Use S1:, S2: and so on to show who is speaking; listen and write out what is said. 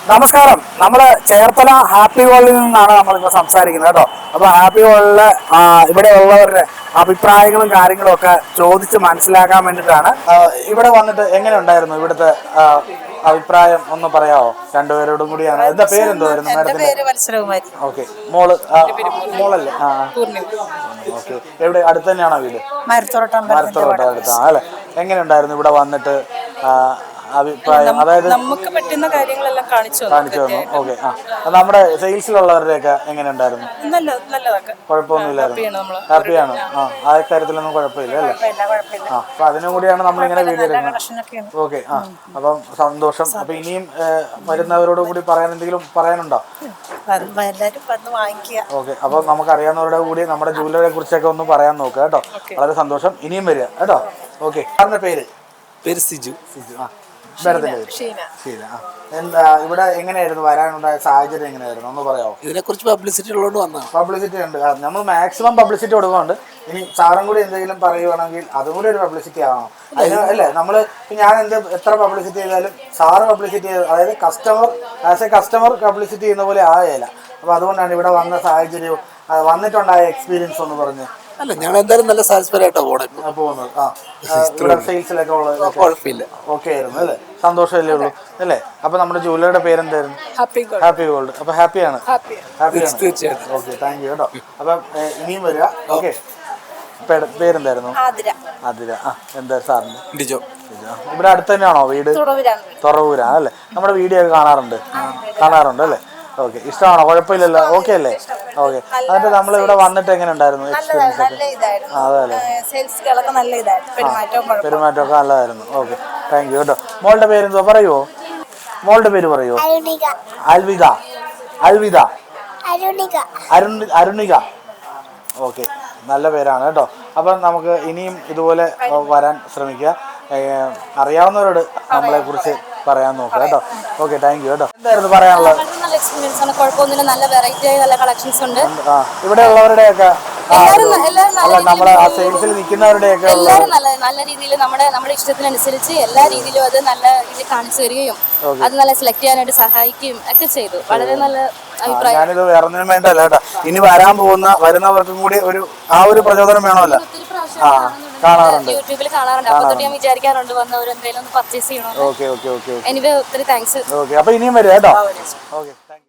S1: നമസ്കാരം. നമ്മള് ചേർത്തല ഹാപ്പി വേൾഡിൽ നിന്നാണ് നമ്മളിപ്പോൾ സംസാരിക്കുന്നത് കേട്ടോ. അപ്പൊ ഹാപ്പി വേൾഡില് ഇവിടെ ഉള്ളവരുടെ അഭിപ്രായങ്ങളും കാര്യങ്ങളും ഒക്കെ ചോദിച്ച് മനസ്സിലാക്കാൻ വേണ്ടിയിട്ടാണ്. ഇവിടെ വന്നിട്ട് എങ്ങനെ ഉണ്ടായിരുന്നു ഇവിടുത്തെ അഭിപ്രായം ഒന്ന് പറയാമോ? രണ്ടുപേരോടും കൂടിയാണ്. എന്താ പേരെന്തോയിരുന്നു? ഓക്കെ. മോളല്ലേ? ഓക്കെ. എവിടെ അടുത്ത് തന്നെയാണോ വീട്? മരത്തോട്ടം അടുത്താണ് അല്ലെ? എങ്ങനെ ഉണ്ടായിരുന്നു ഇവിടെ വന്നിട്ട് അഭിപ്രായം? അതായത്
S2: നമുക്ക് പറ്റുന്ന കാര്യങ്ങളെല്ലാം കാണിച്ചു
S1: തന്നു. ഓക്കെ. നമ്മുടെ സെയിൽസിലുള്ളവരുടെയൊക്കെ എങ്ങനെ ഉണ്ടായിരുന്നു? കുഴപ്പമൊന്നുമില്ലായിരുന്നു. ഹാപ്പിയാണ്. ആ കാര്യത്തിലൊന്നും കുഴപ്പമില്ല അല്ലേ? അപ്പൊ അതിനും കൂടിയാണ് നമ്മളിങ്ങനെ വീഡിയോ എടുക്കുന്നത്. ഓക്കെ. അപ്പം സന്തോഷം. അപ്പൊ ഇനിയും വരുന്നവരോട് കൂടി പറയാൻ എന്തെങ്കിലും പറയാനുണ്ടോ? ഓക്കെ. അപ്പൊ നമുക്ക് അറിയാവുന്നവരുടെ കൂടി നമ്മുടെ ജൂവലറിയെ കുറിച്ചൊക്കെ ഒന്ന് പറയാൻ നോക്കുക കേട്ടോ. വളരെ സന്തോഷം. ഇനിയും വരിക കേട്ടോ. ഓക്കെ. സാറിന്റെ പേര്?
S3: സിജു.
S1: എന്താ ഇവിടെ എങ്ങനെയായിരുന്നു വരാനുണ്ടായ സാഹചര്യം? എങ്ങനെയായിരുന്നു ഒന്ന് പറയാമോ?
S3: ഇതിനെ കുറിച്ച് പബ്ലിസിറ്റി ഉള്ളതുകൊണ്ട് വന്നതാണ്.
S1: പബ്ലിസിറ്റി ഉണ്ട്. നമ്മൾ മാക്സിമം പബ്ലിസിറ്റി കൊടുക്കുന്നുണ്ട്. ഇനി സാറും കൂടി എന്തെങ്കിലും പറയുവാണെങ്കിൽ അതും കൂടി ഒരു പബ്ലിസിറ്റി ആവണം. അതിന് അല്ലേ നമ്മള് ഞാൻ എത്ര പബ്ലിസിറ്റി ചെയ്താലും സാറ് പബ്ലിസിറ്റി ചെയ്ത്, അതായത് കസ്റ്റമർ പബ്ലിസിറ്റി ചെയ്യുന്ന പോലെ ആകേല. അപ്പൊ അതുകൊണ്ടാണ് ഇവിടെ വന്ന സാഹചര്യവും വന്നിട്ടുണ്ടായ എക്സ്പീരിയൻസ് ഒന്ന് പറഞ്ഞ്.
S3: അല്ല, ഞങ്ങൾ എന്തായാലും നല്ല സാറ്റിസ്ഫൈഡ് ആയിട്ടാണ്
S1: പോകുന്നത്. സെയിൽസിലൊക്കെ ഉള്ളത്
S3: കുഴപ്പമില്ല.
S1: ഓക്കെ ആയിരുന്നു അല്ലേ? സന്തോഷമല്ലേ ഉള്ളൂ അല്ലേ? അപ്പൊ നമ്മുടെ ജൂവലറിയുടെ പേരെന്തായിരുന്നു? Happy gold. അപ്പൊ ഹാപ്പിയാണ്?
S3: തീർച്ചയായിട്ടും.
S1: ഓക്കെ, താങ്ക് യു കേട്ടോ. അപ്പൊ ഇനിയും വരിക. ഓക്കെ. പേരെന്തായിരുന്നു? ആതിര. എന്താ സാറിന്?
S3: ഡിജോ.
S1: ഇവിടെ അടുത്ത് തന്നെയാണോ വീട്? തുറവൂരാണ് അല്ലേ? നമ്മുടെ വീഡിയോ ഒക്കെ കാണാറുണ്ട് അല്ലേ? ഓക്കെ. ഇഷ്ടമാണോ? കുഴപ്പമില്ലല്ലോ? ഓക്കെ അല്ലേ? ഓക്കെ. എന്നിട്ട് നമ്മൾ ഇവിടെ വന്നിട്ട് എങ്ങനെ ഉണ്ടായിരുന്നു എക്സ്പീരിയൻസ് ഒക്കെ? അതല്ലേ, പെരുമാറ്റമൊക്കെ നല്ലതായിരുന്നു. ഓക്കെ, താങ്ക് യു കേട്ടോ. മോളുടെ പേരെന്തോ പറയുമോ? മോളുടെ പേര് പറയുമോ? അരുണിക. ഓക്കെ, നല്ല പേരാണ് കേട്ടോ. അപ്പം നമുക്ക് ഇനിയും ഇതുപോലെ വരാൻ ശ്രമിക്കുക. അറിയാവുന്നവരോട് നമ്മളെ കുറിച്ച് പറയാൻ നോക്കുക കേട്ടോ. ഓക്കെ, താങ്ക് യു കേട്ടോ. എന്തായിരുന്നു പറയാനുള്ളത്?
S2: നല്ല വെറൈറ്റി ആയ നല്ല കളക്ഷൻസ് ഉണ്ട്.
S1: ഇവിടെ ഉള്ളവരുടെയൊക്കെ നമ്മുടെ സെയിൽസിൽ നിൽക്കുന്നവരുടെയൊക്കെ
S2: എല്ലാവരും നല്ല രീതിയിൽ നമ്മുടെ ഇഷ്ടത്തിനനുസരിച്ച് എല്ലാ രീതിയിലും അത് നല്ല രീതിയിൽ കാണിച്ചു തരികയും അത് നല്ല സെലക്ട് ചെയ്യാനായിട്ട് സഹായിക്കുകയും ഒക്കെ ചെയ്തു. വളരെ നല്ല അഭിപ്രായം.
S1: ഞാനിത് വേറൊന്നിനും വേണ്ടല്ല കേട്ടോ. ഇനി വരുന്നവർക്കും കൂടി ഒരു പ്രചോദനം വേണമല്ലോ. കാണാറുണ്ട്,
S2: യൂട്യൂബിൽ കാണാറുണ്ട്. അപ്പൊ തൊട്ട് ഞാൻ വിചാരിക്കാറുണ്ട് വന്നവർ എന്തെങ്കിലും ഒന്ന് പർച്ചേസ് ചെയ്യണം.
S1: ഓക്കെ.
S2: എനിവേ ഒത്തിരി താങ്ക്സ്.
S1: ഓക്കെ. അപ്പൊ ഇനിയും വരും കേട്ടോ. Okay, thank U.